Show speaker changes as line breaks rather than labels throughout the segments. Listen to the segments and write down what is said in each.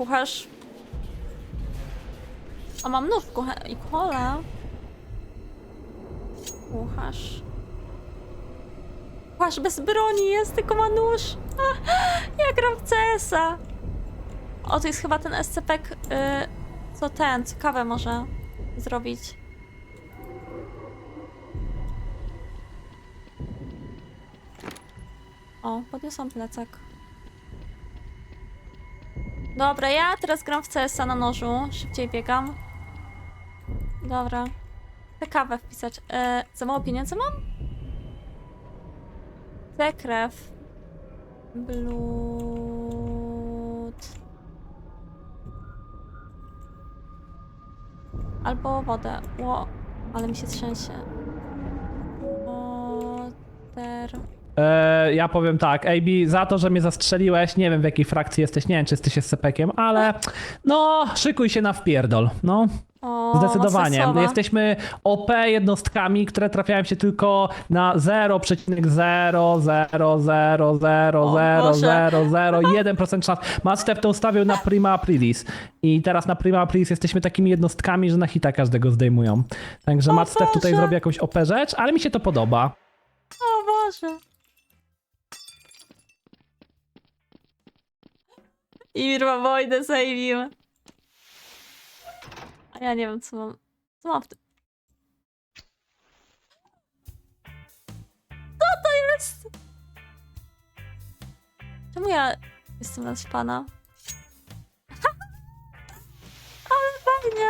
kucharz. A mam nóż i kolę. Kucharz. Kucharz bez broni jest, tylko ma nóż. Ja gram w CS-a. O, to jest chyba ten SCP, co kawę może zrobić. O, podniosłam plecak. Dobra, ja teraz gram w CS-a na nożu. Szybciej biegam. Dobra. Chcę kawę wpisać. Za mało pieniędzy mam? Chcę krew. Blood. Albo wodę. Ale mi się trzęsie. Water.
Ja powiem tak, AB, za to, że mnie zastrzeliłeś, nie wiem w jakiej frakcji jesteś, nie wiem czy jesteś SCP-kiem, ale no, szykuj się na wpierdol, no.
O,
Zdecydowanie.
mocne słowa.
Jesteśmy OP jednostkami, które trafiają się tylko na 0,000000001% szans. Mastef to ustawił na Prima Aprilis i teraz na Prima Aprilis jesteśmy takimi jednostkami, że na hita każdego zdejmują. Także Mastef tutaj
Boże.
zrobi jakąś OP rzecz, ale mi się to podoba.
O Boże. I ma wojnę zajmijmy. A ja nie wiem, co mam. Co mam w tym? Co to jest? Czemu ja jestem naćpana? Ale fajnie.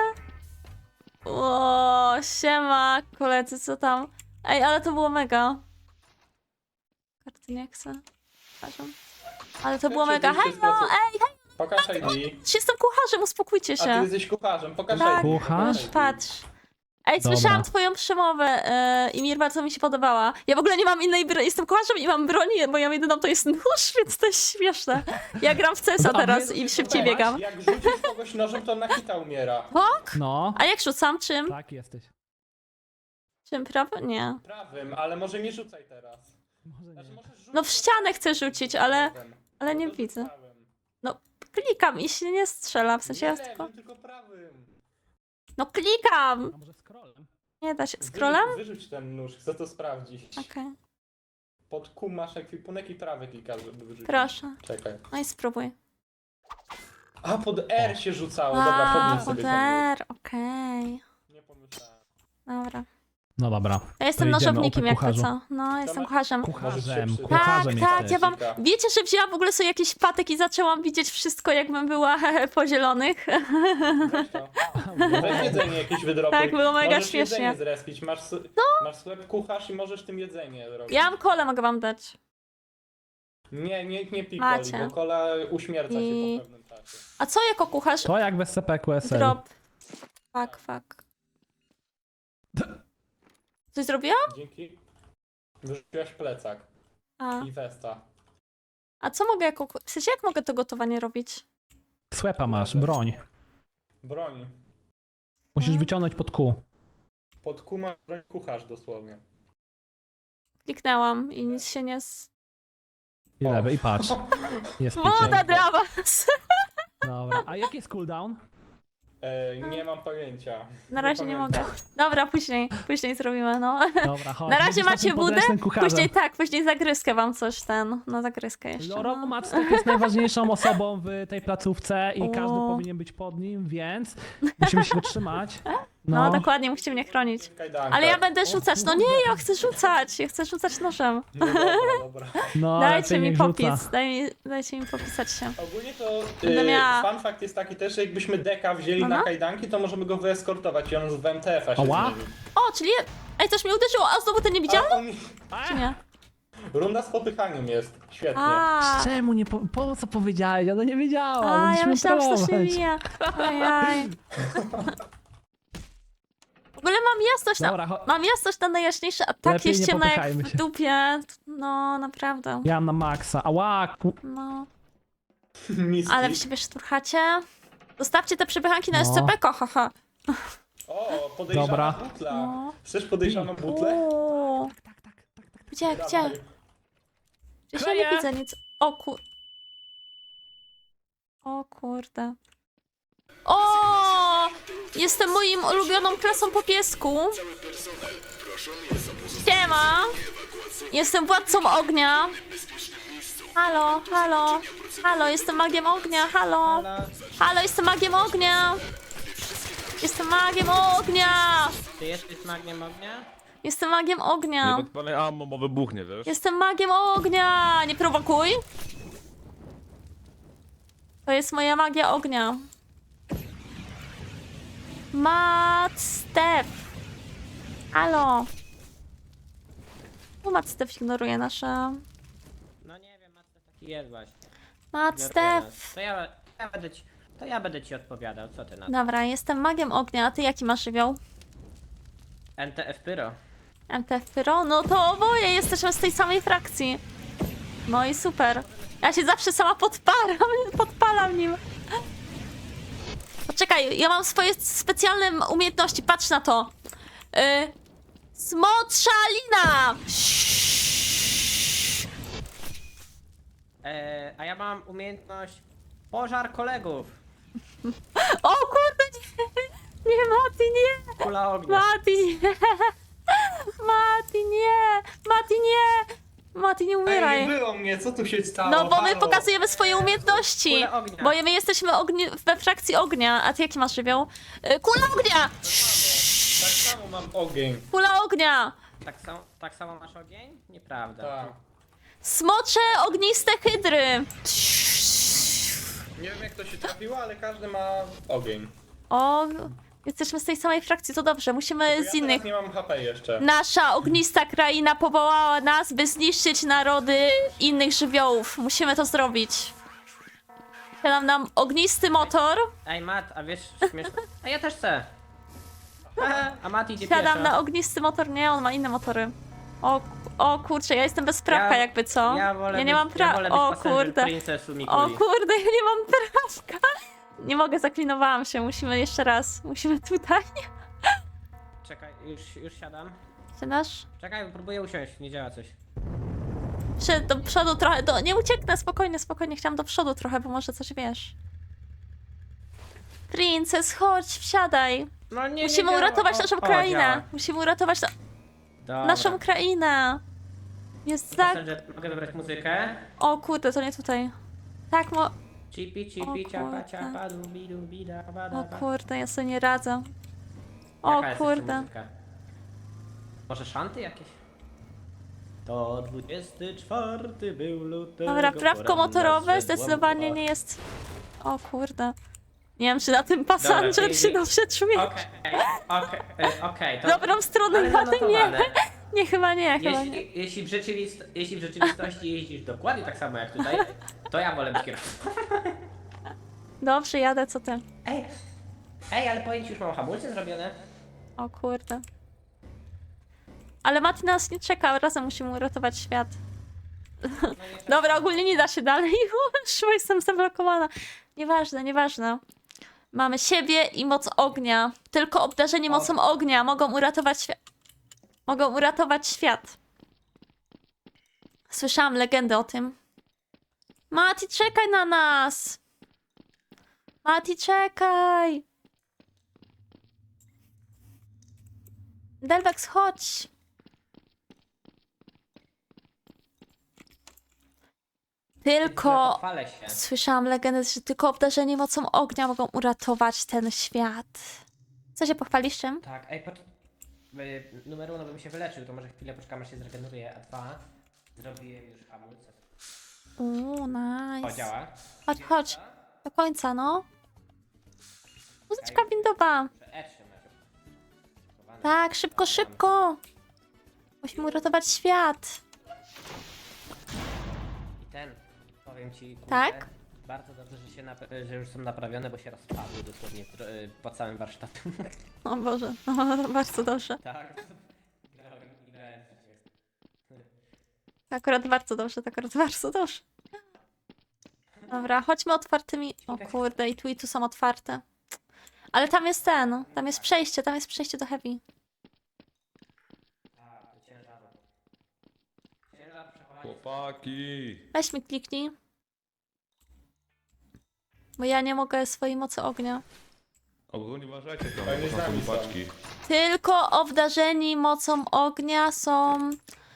O, siema, koledzy, co tam? Ej, ale to było mega. Karty nie chcę. Przepraszam. Ale to było mega. Hej, no, ej, hej,
Pokaż ID.
jestem kucharzem, uspokójcie
A ty
się.
jesteś kucharzem, pokaż
Tak,
ID.
Kucharz?
ID.
Patrz. Ej,
Dobra.
słyszałam twoją przemowę i mi bardzo mi się podobała. Ja w ogóle nie mam innej broni, jestem kucharzem i mam broni, bo ja jedyną to jest nóż, więc to jest śmieszne. Ja gram w CS-a
A
teraz
wy-
i szybciej
Zobacz,
biegam.
Jak rzucisz kogoś nożem, to na hita umiera.
Bok?
No,
A jak rzucam? Czym?
tak jesteś.
Czym prawym? Nie.
Prawym, ale może nie rzucaj teraz.
Może
Znaczy,
nie.
możesz rzucić
No w ścianę chcę rzucić, ale
prawym.
nie
No to
widzę.
prawym.
Klikam i się nie strzela, w sensie ja
Nie,
tylko...
tylko prawym.
No klikam!
A może scrollem?
Nie da się. Scrollem?
Wyrzuć ten nóż, chcę to sprawdzić.
Okej.
Pod Q masz ekwipunek i prawy klikasz, żeby wyrzucić.
Proszę.
Czekaj.
No i spróbuj.
A, pod R się rzucało. Dobra, podnieś sobie ten nóż.
poder, okej.
Nie pomyślałem.
Dobra.
No dobra.
Ja jestem
To idziemy,
nożownikiem,
OP
jak to
kucharzu.
co? No, jestem
ma-
kucharzem.
Kucharzem,
Może się
kucharzem
Tak,
jesteś.
ja wam...
Jessica.
Wiecie, że wzięłam w ogóle sobie jakiś patek i zaczęłam widzieć wszystko, jakbym była po zielonych?
Weź to. Weź jedzenie jakieś wydrobuj.
Tak, było mega
możesz
śmiesznie.
jedzenie zrespić. Masz sklep kucharz i możesz tym jedzenie robić.
Ja mam kolę, mogę wam dać.
Nie pikoli,
Macie.
bo kola uśmierca
I-
się po pewnym czasie.
A co jako kucharz?
To jak bez SCP-QSL.
Drop. Fuck. Coś zrobiłam?
Dzięki. Wyrzuciłaś plecak
A.
i westa.
A co mogę jako... W sensie, jak mogę to gotowanie robić?
Słepa masz, broń.
Broń.
Musisz wyciągnąć pod Q.
Pod kuma broń kucharz dosłownie.
Kliknęłam i nic się nie...
I lewy, i patrz. Jest
Woda
picie.
dla was!
Dobra. A jaki jest cooldown?
Nie mam pojęcia.
Na razie nie
pamiętam.
mogę. Dobra, później zrobimy, no.
Dobra, chodź.
Na razie
Będziesz
macie
naszym
budę,
podręcznym kucharzem.
później zagryzkę wam coś no zagryzkę jeszcze.
Loro
No.
Mactek jest najważniejszą osobą w tej placówce i każdy
O.
powinien być pod nim, więc musimy się go trzymać.
No dokładnie, musicie mnie chronić.
Kajdanka.
Ale ja będę rzucać, no nie, ja chcę rzucać nożem.
No dobra.
No,
Dajcie
lepiej
mi
niech
popis,
rzuca.
dajcie mi popisać się.
Ogólnie to
Będę miała-
fun fact jest taki też, że jakbyśmy deka wzięli
No,
na
no.
kajdanki, to możemy go wyeskortować i on z WMTF-a się
Ała.
zmieni.
O, czyli... Ej, coś mnie uderzyło, a znowu ten nie widziałam?
A on...
Czy nie?
Runda z popychaniem jest. Świetnie.
A,
Czemu nie po co powiedziałeś? Ja to nie wiedziałam.
ja
Musimy
myślałam, że to się
trollować.
mija. Ajaj. W ogóle
Dobra,
mam jasność na najjaśniejsze, a tak
Lepiej
jest
nie
ciemno jak
popychajmy
w
się.
dupie. No, naprawdę.
ja na maksa. Ała,
No.
Miski.
Ale wy się szturchacie. Zostawcie te przepychanki na
No.
SCP, haha.
O, podejrzana
Dobra.
butla.
No.
Chcesz podejrzaną butlę?
Uuu. Gdzie?
Dawaj.
Przecież ja nie
Kleję.
widzę nic. O kur... O kurde. O! Jestem moim ulubioną klasą po piesku. Siema! Jestem władcą ognia. Halo, halo. Halo, jestem magiem ognia, halo. Halo, jestem magiem ognia. Jestem magiem ognia.
Ty jesteś magiem ognia?
Jestem magiem ognia.
Nie podpalaj ammo, bo wybuchnie, wiesz?
Jestem magiem ognia. Nie prowokuj. To jest moja magia ognia. Step. Halo. Bo Step ignoruje nasze...
No nie wiem, Matce taki jest właśnie.
Step.
To ja będę ci odpowiadał, co ty na to?
Dobra, jestem magiem ognia, a ty jaki masz żywioł?
NTF Pyro.
MTF Pyro? No to oboje jesteśmy z tej samej frakcji. No i super. Ja się zawsze sama podpalam nim. Poczekaj, ja mam swoje specjalne umiejętności, patrz na to. Smotrza lina!
A ja mam umiejętność pożar kolegów.
O kurde, nie! Nie, Mati, nie!
Kula ognia.
Mati, nie! Mati, nie! Mati, nie! Mati, nie
Ej,
umieraj.
nie było mnie, co tu się stało?
No bo my
Halo?
pokazujemy swoje umiejętności.
Kule ognia.
Bo my jesteśmy we frakcji ognia. A ty jaki masz żywioł? Kula ognia!
Tak samo mam ogień.
Kula ognia!
Tak samo masz ogień? Nieprawda.
Tak.
Smocze ogniste hydry.
Nie wiem jak to się trafiło, ale każdy ma ogień.
O, jesteśmy z tej samej frakcji, to dobrze. Musimy
Ja
z innych.
teraz nie mam HP jeszcze.
Nasza ognista kraina powołała nas, by zniszczyć narody innych żywiołów. Musimy to zrobić. Siadam nam ognisty motor.
Ej Mat, a wiesz śmieszne? A ja też chcę. A Mat idzie
Siadam na
pieszo.
ognisty motor. Nie, on ma inne motory. O kurczę, ja jestem bezprawka jakby co?
Ja wolę
nie mam
ja wolę być
O
passenger
kurde.
Princessu
O
Mikuli.
kurde, ja nie mam prawka. Nie mogę, zaklinowałam się. Musimy jeszcze raz. Musimy tutaj.
Czekaj, już siadam.
Siadasz?
Czekaj, próbuję usiąść, nie działa coś.
Przed do przodu trochę. Nie ucieknę, spokojnie, spokojnie. Chciałam do przodu trochę, bo może coś wiesz. Princes, chodź, wsiadaj.
No nie,
Musimy
działa.
uratować naszą krainę.
działa.
Musimy uratować
Dobra.
naszą krainę. Jest tak.
Passenger, mogę wybrać muzykę?
O kurde, to nie tutaj. Tak,
Chipi,
O
chipi, ciapa,
kurde.
ciapa, dubi, dubi, da, ba, da,
O
ba.
kurde, ja sobie nie radzę. O
Jaka jest jeszcze
kurde.
muzyka? Może szanty jakieś? To 24 był lutego.
Dobra, prawko
poranna
motorowe
zrzedła
zdecydowanie
mgła.
nie jest. O kurde. Nie wiem, czy na tym passenger
Dobra,
się dobrze czuje.
Okej, to...
Dobrą stronę,
ale
ale nie.
zanotowane.
Nie, chyba nie, chyba nie.
Jeśli w rzeczywistości jeździsz dokładnie tak samo jak tutaj, to ja wolę być kierowcą.
Dobrze, jadę, co ty?
Ej, ale powiem ci, już mam hamulce zrobione.
O kurde. Ale Mati nas nie czeka, razem musimy uratować świat. Dobra, ogólnie nie da się dalej. Szło, jestem zablokowana. Nieważne, nieważne. Mamy siebie i moc ognia. Tylko obdarzeni mocą ognia mogą uratować świat. Mogą uratować świat. Słyszałam legendę o tym. Mati, czekaj na nas! Mati, czekaj! Delvex, chodź! Tylko
Pochwalę się.
słyszałam legendę, że tylko obdarzeni mocą ognia mogą uratować ten świat. Co się pochwalisz czym?
Tak, numer 1 bym się wyleczył, to może chwilę poczekam, aż się zregeneruje, a 2 zrobiłem już hamulce. O,
Nice.
działa.
Chodź, chodź. Do końca, no. Muzyczka windowa. Tak, szybko, szybko. Musimy uratować świat.
I powiem ci, kurde,
Tak?
bardzo dobrze, że już są naprawione, bo się rozpadły dosłownie po całym warsztacie.
O Boże, no, bardzo dobrze.
Tak.
Akurat bardzo dobrze, tak akurat bardzo dobrze. Dobra, chodźmy otwartymi... O kurde, i tu są otwarte. Ale tam jest tam jest przejście do Heavy.
Chłopaki!
Weź mi kliknij. Bo ja nie mogę swojej mocy ognia.
Ogólnie uważajcie tam,
Oni z
bo tam
nami
są
są.
paczki.
Tylko obdarzeni mocą ognia są...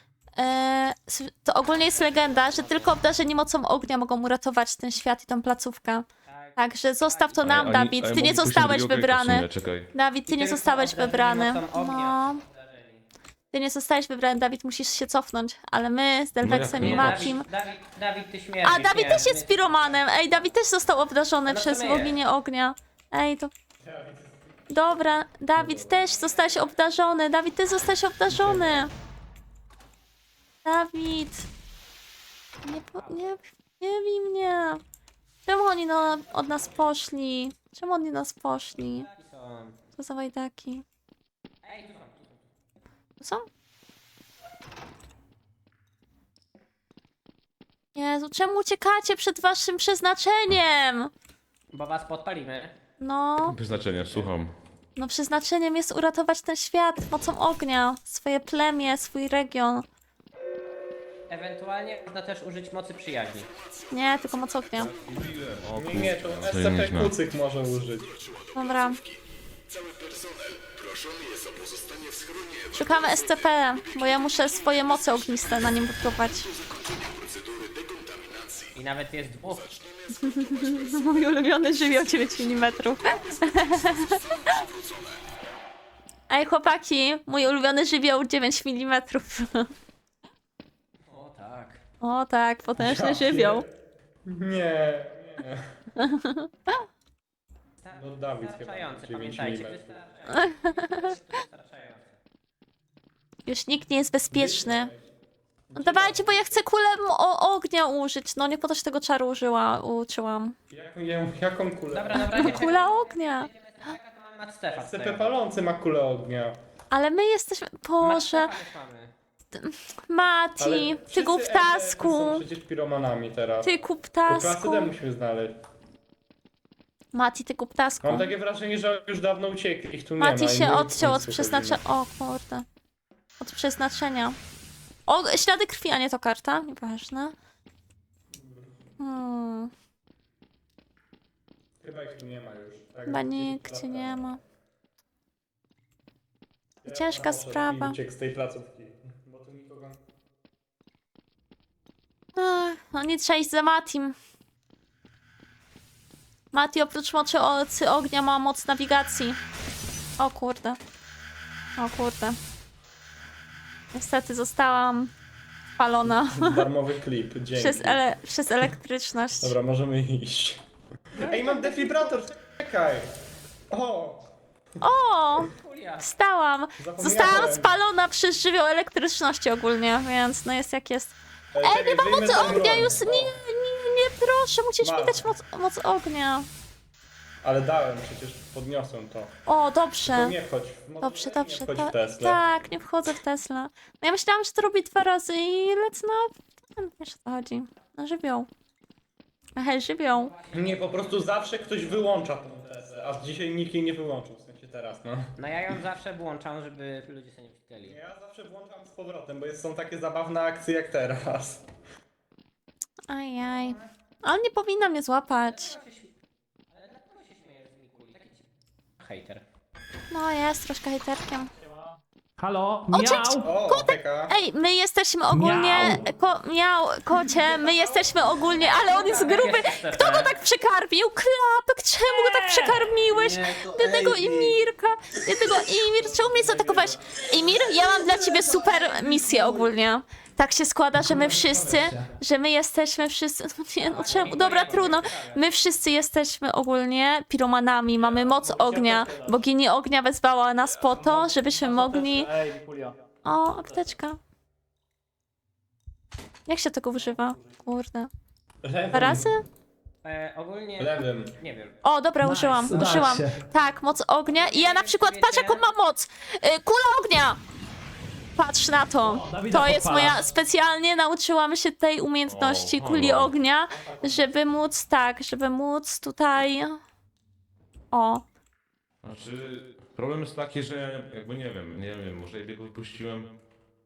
to ogólnie jest legenda, że tylko obdarzeni mocą ognia mogą uratować ten świat i tą placówkę.
Tak.
Także zostaw to nam,
Ej,
Dawid. Ty nie
mogli puścić
zostałeś
drugiego okejka w
wybrany.
sumie, czekaj.
Dawid, ty
I
nie
tylko
zostałeś
obdarzeni
wybrany.
mocą ognia
No.
są obdarzeni.
Ty nie zostałeś wybrany, Dawid, musisz się cofnąć. Ale my z Delvexem
No
i
jak
Nie,
Matim...
Dawid, ty śmierdzisz.
A, Dawid
nie,
też jest
my-
piromanem. Ej, Dawid też został obdarzony
No to
przez
my
boginię ognia. Ej, to... Dobra, Dawid też zostałeś obdarzony. Dawid, ty zostałeś obdarzony. Dawid. Nie bij mnie. Czemu oni od nas poszli? Czemu oni nas poszli?
Są.
Co za wajdaki?
Ej, tu są.
Tu są? Jezu, czemu uciekacie przed waszym przeznaczeniem?
Bo was podpalimy.
No,
Przeznaczenie, słucham.
no przeznaczeniem jest uratować ten świat mocą ognia. Swoje plemię, swój region.
Ewentualnie można też użyć mocy przyjaźni.
Nie, tylko moc ognia.
O,
Nie, to
to
SCP
nieźle.
Kucyk może użyć.
Dobra. Szukamy SCP, bo ja muszę swoje moce ogniste na nim wypróbować.
I nawet jest dwóch.
Mój ulubiony żywioł 9 mm. Ej, chłopaki, mój ulubiony żywioł 9 mm.
O tak.
O tak, potężny żywioł.
Nie. No Dawid chyba.
Wystarczające,
9
pamiętajcie.
mm.
Wystarczające.
Już nikt nie jest bezpieczny. No dawajcie, bo ja chcę kulę ognia użyć. No nie po to się tego czaru uczyłam.
Jaką kulę?
Dobra, na razie
Kula ognia.
to mamy Macstefa
SCP
tutaj.
palący ma kulę ognia.
Ale my jesteśmy... Boże,
Macstefa już mamy.
Mati,
Ale
ty
wszyscy
głuptasku.
są przecież piromanami teraz.
Ty
To
głuptasku.
klasy musimy znaleźć.
Mati, ty głuptasku.
Mam takie wrażenie, że już dawno uciekli. Ich tu nie ma.
Mati
i
się
my
odciął od
w końcu
przeznaczenia. O kurde. Od przeznaczenia. O, ślady krwi, a nie to karta. Nieważne.
Chyba ich tu nie ma już. Tak,
Chyba
gdzieś
nikt
lata.
cię nie ma.
Ja
Ciężka
może
sprawa.
Uciekł z tej placówki. Bo tu nikogo...
Ach, no nie trzeba iść za Matim. Mati oprócz mocy ognia ma moc nawigacji. O kurde. O kurde. Niestety zostałam spalona
Darmowy klip, dzięki.
przez elektryczność.
Dobra, możemy iść. Ej, mam defibrylator, czekaj! O!
O!
Julia.
Wstałam!
Zapomniałem.
Zostałam spalona przez żywioł elektryczności ogólnie, więc no jest jak jest.
Ej,
Nie ma
wyjmę
mocy
ten
ognia
broń.
już! Nie, proszę, musisz mi
Mam.
dać moc ognia.
Ale dałem, przecież podniosłem to.
O, dobrze.
To nie wchodź w
Dobrze,
nie
dobrze.
wchodź w Tesla.
Tak, nie wchodzę w Tesla. No ja myślałam, że to robi 2 razy i lecę na... Wiesz o co chodzi. Na żywioł. Hej, żywioł.
Nie, po prostu zawsze ktoś wyłącza tą Teslę, a dzisiaj nikt jej nie wyłączył, w sensie teraz, no.
No ja ją zawsze włączam, żeby ludzie sobie nie wcieli.
Ja zawsze włączam z powrotem, bo są takie zabawne akcje jak teraz.
Ajaj. Ale nie powinna mnie złapać.
Ale dlaczego się śmiejesz z Mikuli? Taki hejter.
No jest troszkę hejterkiem.
Halo?
cześć!
Miał!
O, Peka.
Ej, my jesteśmy ogólnie... Kocie, my jesteśmy ogólnie... Ale on jest gruby! Kto go tak przekarmił? Klapek, czemu go tak przekarmiłeś? Biednego Imirka! Biednego Imir, czemu mnie zaatakowałeś? Imir, ja mam dla ciebie super misję ogólnie. Tak się składa, że my wszyscy... Że my jesteśmy wszyscy... No nie, no czemu? Dobra, trudno. My wszyscy jesteśmy ogólnie piromanami. Mamy moc ognia. Bogini ognia wezwała nas po to, żebyśmy mogli...
Ej, Wikulia.
O, apteczka. Jak się tego używa? Kurde. 2 razy?
Ogólnie...
Lewym.
Nie wiem.
O, dobra,
Nice,
użyłam.
udało
Użyłam.
się.
Tak, moc ognia. I ja na przykład, patrz jaką mam moc. Kula ognia! Patrz na to.
Dawida
To jest
podpala.
moja... Specjalnie nauczyłam się tej umiejętności
O,
kuli
halo.
ognia, żeby móc, tak, żeby móc tutaj... O.
Znaczy, problem jest taki, że ja jakby nie wiem, może jej biegu wypuściłem.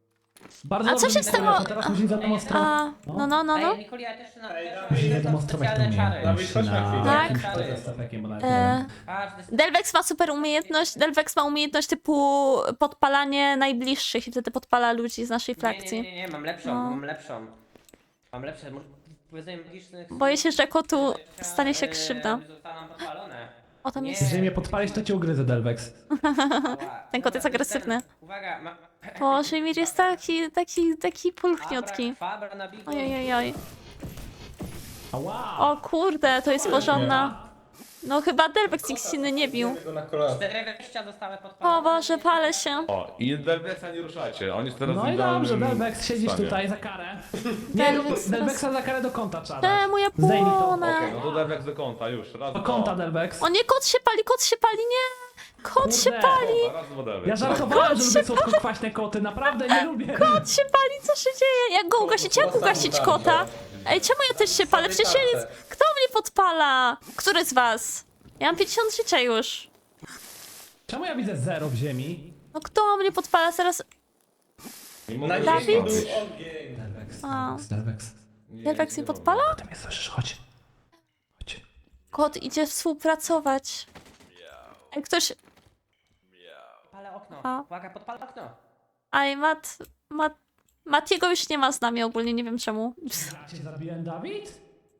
Bardzo
A co
dobrze
się
mi
stało?
to teraz musi za tą stronę.
A, no.
Ej, Nikoli, ja też na
Ile demonstrować tą
specjalne czary.
umiejętność
Dawid, chodź na chwilę.
Tak.
jakimś stefekiem, bo nawet nie
E,
wiem.
Patrz, to jest-
Delvex ma super umiejętność. Delvex ma umiejętność typu podpalanie najbliższych i wtedy podpala ludzi z naszej frakcji.
Nie, mam lepszą,
No.
mam lepszą. Mam lepsze, powiedzenie magicznych...
Boję się, że kotu stanie się krzywda.
Zostaną podpalone.
O, tam jest...
Jeżeli mnie podpalisz, to cię ugryzę, Delvex.
Ała.
Ten kot jest agresywny.
Uwaga,
Boże, Mir jest taki pulchniutki.
Fabra na bigu.
Ojojoj.
Ała!
O kurde, to jest porządna. No chyba Delvex nikt inny nie bił.
Go na kolana.
4 wejścia zostały podpalone.
O Boże, palę się.
O, i Delvexa nie ruszajcie. On jest teraz
No
w
i
idealnym
dobrze, Delvex, siedzisz
stanie.
tutaj za karę. Nie,
Delvex
Delvexa za karę do kąta trzeba dać.
Czemu ja
Zdejmij to.
płonę?
Okej, no to Delvex do kąta, już. Raz,
Do
dwa.
kąta, Delvex.
O nie, kot się pali, nie! Kot się
Kurde.
pali,
Raz, dwa, Delvex.
Ja żartowałem, że lubię słodko-kwaśne koty, naprawdę nie lubię.
kot się pali, co się dzieje? Jak go ugasić? Jak ugasić kota? Ej, czemu ja też się palę? Przecież ja nic... Kto mnie podpala? Który z was? Ja mam 50 życia już.
Czemu ja widzę 0 w ziemi?
No kto mnie podpala? Zaraz...
Nie mogę
Na
się
Dawid?
ziemi był
bawić.
ogień.
Delvex,
A.
Delvex.
Nie,
Delvex
nie
mnie
mogę.
podpala?
Ty mnie słyszysz, chodź. Chodź.
Kot idzie współpracować. Ej, ktoś...
Podpalę okno.
A.
Uwaga, podpalę okno.
Aj, Matiego już nie ma z nami ogólnie, nie wiem czemu.
Ja cię zabiłem, Dawid?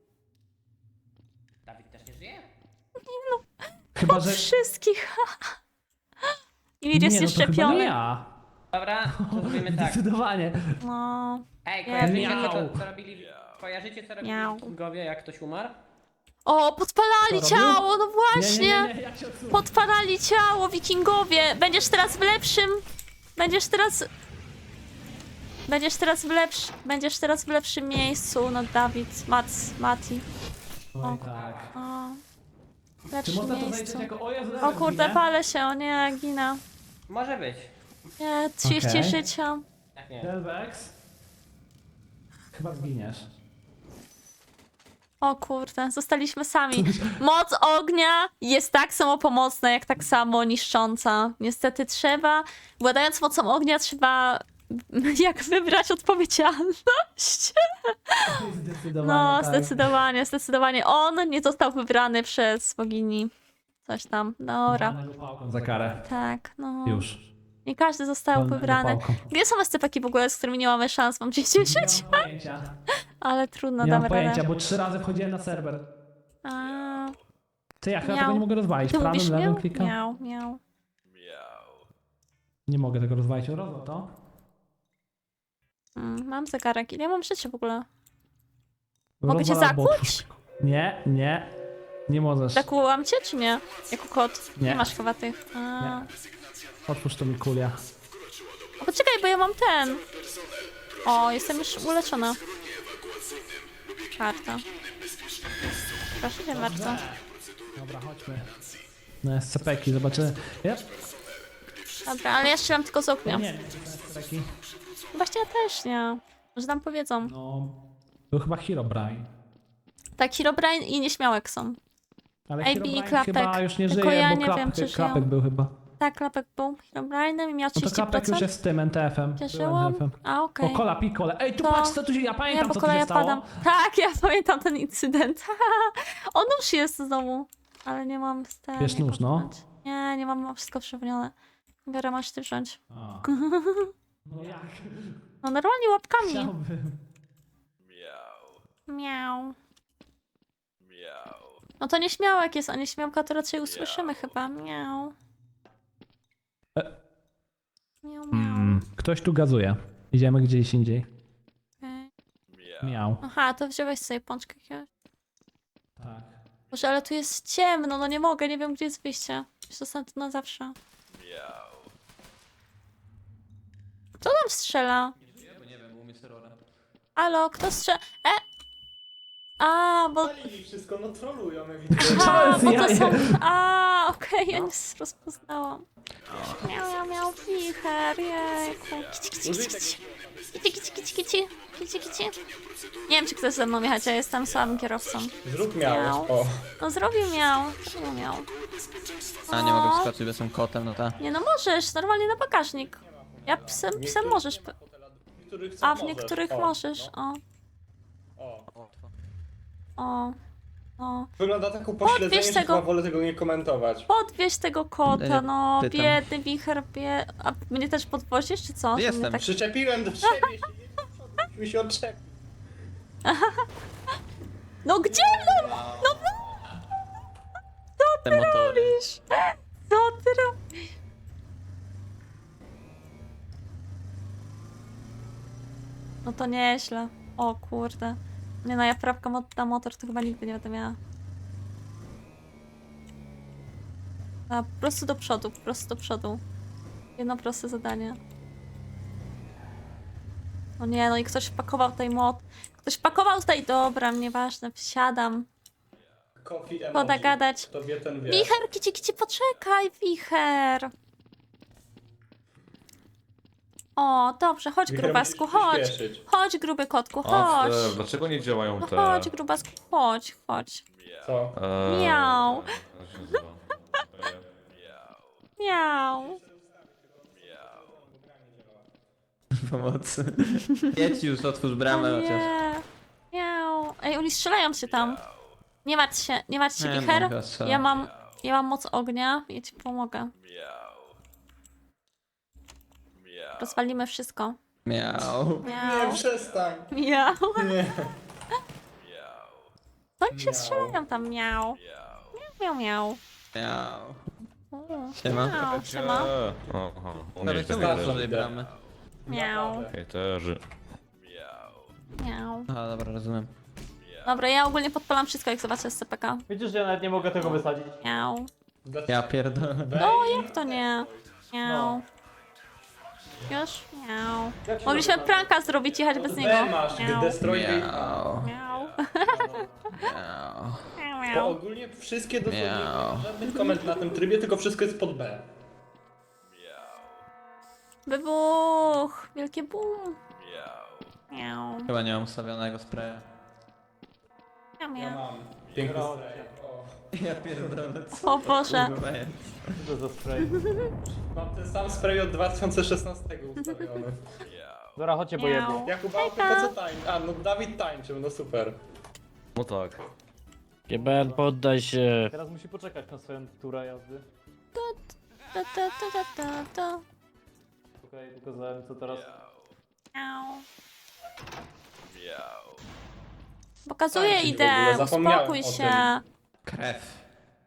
Dawid też nie żyje?
Chyba, że...
Wszystkich. I Mir jest
nie, no to chyba nie
szczepiony.
ja.
Dobra, to zrobimy tak.
Zdecydowanie.
No.
Ej,
Nie
kojarzycie
wiem.
co robili... Kojarzycie co robili
Miau.
Kingowie, jak ktoś umarł?
O, podpalali
Co robił?
ciało, no właśnie.
Nie, ja cię odsuwam.
Podpalali ciało, wikingowie. Będziesz teraz w lepszym... Będziesz teraz w lepszym miejscu, no Dawid, Mati.
Oj, tak.
O, w
Czy
lepszym
można to
miejscu.
zaliczyć jako... O Jezu,
O
Delvex
kurde,
ginie?
palę się, o nie, ginę.
Może być.
Nie, 30
Okej.
życia.
Jak nie.
Delvex? Chyba zginiesz.
O kurde, zostaliśmy sami. Moc ognia jest tak samo pomocna, jak tak samo niszcząca. Niestety władając mocą ognia, trzeba jak wybrać odpowiedzialność.
Zdecydowanie
No,
tak.
zdecydowanie. On nie został wybrany przez bogini. Coś tam, dobra.
Walnę go pałką za karę.
Tak, no.
Już.
Nie każdy został
Walnę go
wybrany.
pałką.
Gdzie są SCP-ki w ogóle, z którymi nie mamy szans? Mam 10
Nie
żyć,
mam pojęcia.
ale trudno,
Nie mam
damy
pojęcia,
radę.
bo 3 razy wchodziłem na serwer.
A,
Ty, ja chyba
Miał.
tego nie mogę rozwalić.
ty mówisz
Prawym, lewym
miał?
klikam.
Miał.
Nie mogę tego rozwalić. Rozwal to.
Mam zegarek. Ile mam życia w ogóle? Mogę cię
Rozwal albo
zakłuć?
otwórz. Nie. Nie możesz.
Zakułam cię, czy nie? Jako kot.
Nie.
masz chyba tych. A.
Nie. Otwórz to mi kulia.
O, poczekaj, bo ja mam ten. O, jestem już uleczona. Czwarta. Proszę cię bardzo.
Dobra, chodźmy. No SCP-ki, zobaczymy. Yep.
Dobra, ale ja strzelam tylko z ognia.
Nie, SCP-ki.
Właśnie ja też nie. Może tam powiedzą.
No, był chyba Herobrine.
Tak, Herobrine i Nieśmiałek są.
Ale
AB i
Herobrine
Klapek.
chyba już nie
Tylko
żyje,
ja
bo
nie wiem, czy żyją.
Klapek był chyba.
Tak, Klapek był Herobrine'em i miał
No to Klapek już
30%.
jest tym NTF-em.
Cieszyłam.
NTF-em.
A, okej.
O, kola, pikole. Ej, tu
To-
patrz, co tu się... Ja
Nie,
pamiętam,
bo
co tu
kolej
się
ja
stało.
padam. Tak, ja pamiętam ten incydent. On już jest znowu. Ale nie mam z tym.
Bierz nóż, no.
Nie mam wszystko przewinione. Biorę, masz ty wziąć.
A. No jak?
No normalnie łapkami.
Chciałbym.
Miał. No to nieśmiałek jest, a nieśmiałka to raczej usłyszymy chyba. Miał. Miał.
Ktoś tu gazuje. Idziemy gdzieś indziej.
Okej.
Miał.
Aha, to wziąłeś sobie pączkę jakiegoś.
Tak.
Boże, ale tu jest ciemno, no nie mogę, nie wiem gdzie jest wyjście. Zostanę tu na zawsze. Kto tam strzela?
Nie wiem, u mnie serora.
Alo, kto strzela? A, bo...
Palili wszystko, no trolują ewidentnie.
A, bo to
jaje.
są... A, okej, ja nie rozpoznałam. Miał wicher, jejku. Kici, kici,
Użyj
kici,
tego.
kici, kici, kici, kici, kici. Nie wiem, czy ktoś ze mną jechać, ja jestem słabym kierowcą.
Zrób miałeś,
Miał.
o.
No zrobił miał.
A nie mogę wskoczyć, bo jestem kotem, no ta.
Nie no możesz, normalnie na bagażnik. Ja psem możesz.
niektórych co
A w
możesz.
niektórych
O,
możesz,
no.
o,
O.
o, o.
Wygląda tak upośledzenie,
Podwieź
że
tego-
chyba wolę tego nie komentować.
Podwieź tego kota,
Ja
no,
pytam.
biedny wicher, A mnie też podwozisz, czy co? Że mnie
Jestem.
tak...
Przyczepiłem do siebie, mi się odczepił.
No gdzie? No
Te motory.
robisz? Co ty robisz? No to nieźle. O kurde. Nie no, ja prawka na motor to chyba nigdy nie będę miała. A, po prostu do przodu, po prostu do przodu. Jedno proste zadanie. No nie, no i ktoś pakował tutaj Ktoś pakował tutaj... Dobra, nieważne, wsiadam.
Coffee emoji.
Poda gadać.
Tobie ten wie.
Wicher, kici, poczekaj, wicher. O, dobrze, chodź
Wicher,
grubasku,
musisz
chodź.
przyspieszyć.
Chodź, gruby kotku,
A,
chodź.
dlaczego nie działają
No
te...
chodź, grubasku, chodź, chodź.
Co?
Miau.
jak to się nazywa?
Miau.
Pomocy. Jedź już, otwórz
O
bramę chociaż.
nie. Miau. Ej, oni strzelają się tam. Nie martw się,
Nie,
wicher.
mogę strzelać.
Ja mam moc ognia, ja ci pomogę. Rozwalimy wszystko.
Miał.
Miau.
Nie, przestań.
Miau.
Nie.
Oni się
Miau.
strzelają tam, miau. Miau, miau.
Miał.
O,
Siema.
Miau, siema.
Aha, u
Dobra,
mnie
to
tak
bardzo
otwórz
też.
tej bramy.
Miau.
Hejterzy.
Miau.
Aha, dobra, rozumiem.
Dobra, ja ogólnie podpalam wszystko, jak zobaczę SCPK.
Widzisz, że ja nawet nie mogę tego wysadzić.
Miau.
Ja pierdolę.
No, jak to nie? Miau. Już? Miau.
Jak się
Mogliśmy
nazywa?
pranka zrobić, jechać bez niego.
B masz,
Miau.
destroy
Miał.
Miau.
Miał.
Miau,
Bo
miau.
ogólnie wszystkie dosłownie,
Miau.
żadnych komend na tym trybie, tylko wszystko jest pod B.
Wybuch! Wielkie boom! Miau.
Chyba nie mam ustawionego spraya.
Miau,
Ja
miau.
mam. Piękny spray. O.
Ja pierdolę, co
O Boże.
kurwa jest?
Co to za spray?
Mam ten sam spray od 2016 ustawiony.
Dobra, chodźcie, bo
Miau.
jebie.
Jakub Autyka co tańczy? A, no Dawid tańczył, no super.
No tak.
GBN, poddaj się.
Teraz musi poczekać na swoją turę jazdy.
Ta, ta, ta, ta, ta, ta.
Okej, tylko za co teraz?
Miau. Pokazuję
Tańczyć w
idę,
ogóle, zapomniałem
uspokój
o
się.
Krew.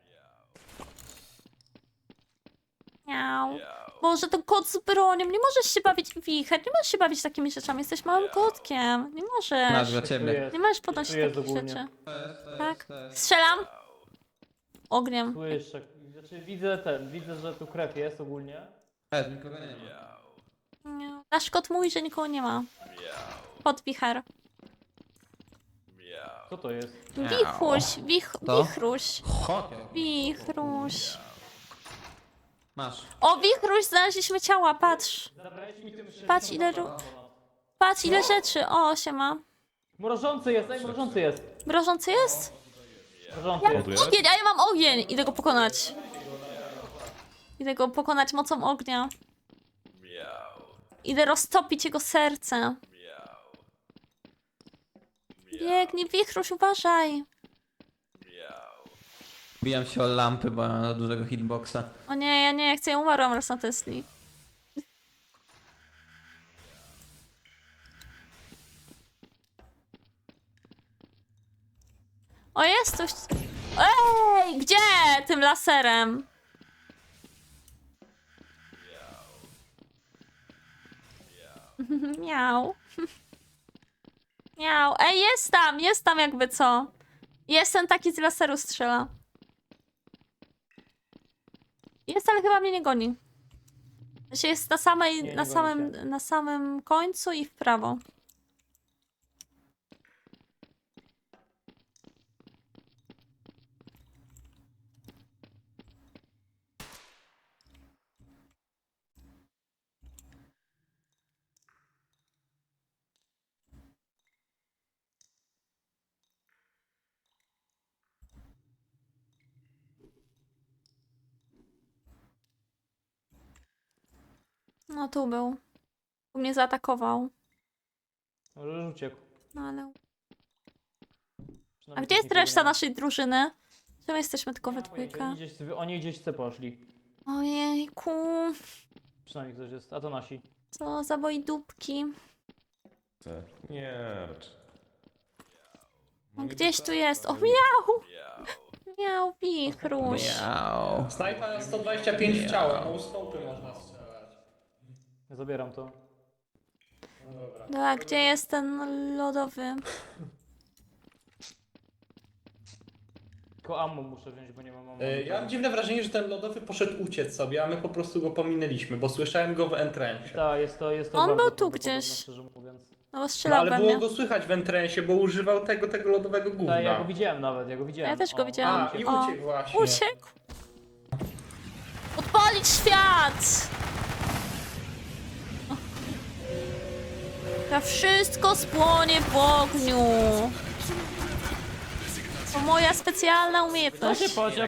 Miau. Boże, to kot z bronią, nie możesz się bawić wicher, nie możesz się bawić takimi rzeczami, jesteś małym kotkiem, nie
Masz
możesz.
dla
Tu
ciebie.
jest,
Nie możesz podnosić
tu jest
takich
ogólnie.
rzeczy. Tak? Strzelam. Ogniem.
Słyszę. Znaczy widzę, że tu krew jest ogólnie.
Nikogo nie ma.
Nie. Nasz kot mówi, że nikogo nie ma. Pod wicher.
Co to jest?
Wichuś,
To?
wichruś,
Chopie.
wichruś.
Masz.
O, wichruś, znaleźliśmy ciała, patrz. Patrz ile, patrz ile rzeczy. O, siema.
Mrożący jest, ej, mrożący jest.
Mrożący jest?
Mrożący jest.
Ładujesz?
Ogień, a ja mam ogień. Idę go pokonać. Idę go pokonać mocą ognia. Idę roztopić jego serce. Biegnij, wichruś, uważaj.
Bijam się o lampy, bo mam za dużego hitboxa.
O nie, ja chcę, ja umarłam raz na Tesli. O, jest coś... Ej, gdzie? Tym laserem. Miał. Miał. Ej, jest tam jakby co. Jestem taki z laseru strzela. Jest, ale chyba mnie nie goni. Znaczy jest na samej,
Nie, nie
na
goni
samym,
cię.
na samym końcu i w prawo. No tu był. Tu mnie zaatakował.
Może już uciekł.
No ale... A
Przynajmniej
gdzie jest
nikogo
reszta
nie ma.
naszej drużyny? Czemu jesteśmy tylko we
Nie ma pojęcia,
dwójkę?
Oni gdzieś C poszli.
Ojejku,
Przynajmniej ktoś jest, a to nasi.
co za dupki.
Nie, raczej.
No, gdzieś tu jest. O, miał! Miał wichruś.
Miau.
Snajpa 125 w ciało, no stopy można strzelać.
Ja zabieram to.
No dobra.
Dobra, gdzie jest ten lodowy?
Tylko ammo muszę wziąć, bo nie mam ammo.
Ja mam dziwne wrażenie, że ten lodowy poszedł uciec sobie, a my po prostu go pominęliśmy, bo słyszałem go w entrensie.
Tak, jest to
On
bardzo
był tu
prawdopodobne,
gdzieś.
Szczerze mówiąc.
No bo
No
strzelał
ale
we
było
mnie.
go słychać w entrensie, bo używał tego lodowego gówna.
Tak, ja go widziałem nawet, ja go widziałem.
Ja też go
O,
widziałam.
A, i
O,
uciekł właśnie.
Uciekł! Odpalić świat! To wszystko spłonie w ogniu. To moja specjalna
To
umiejętność.
się pociąg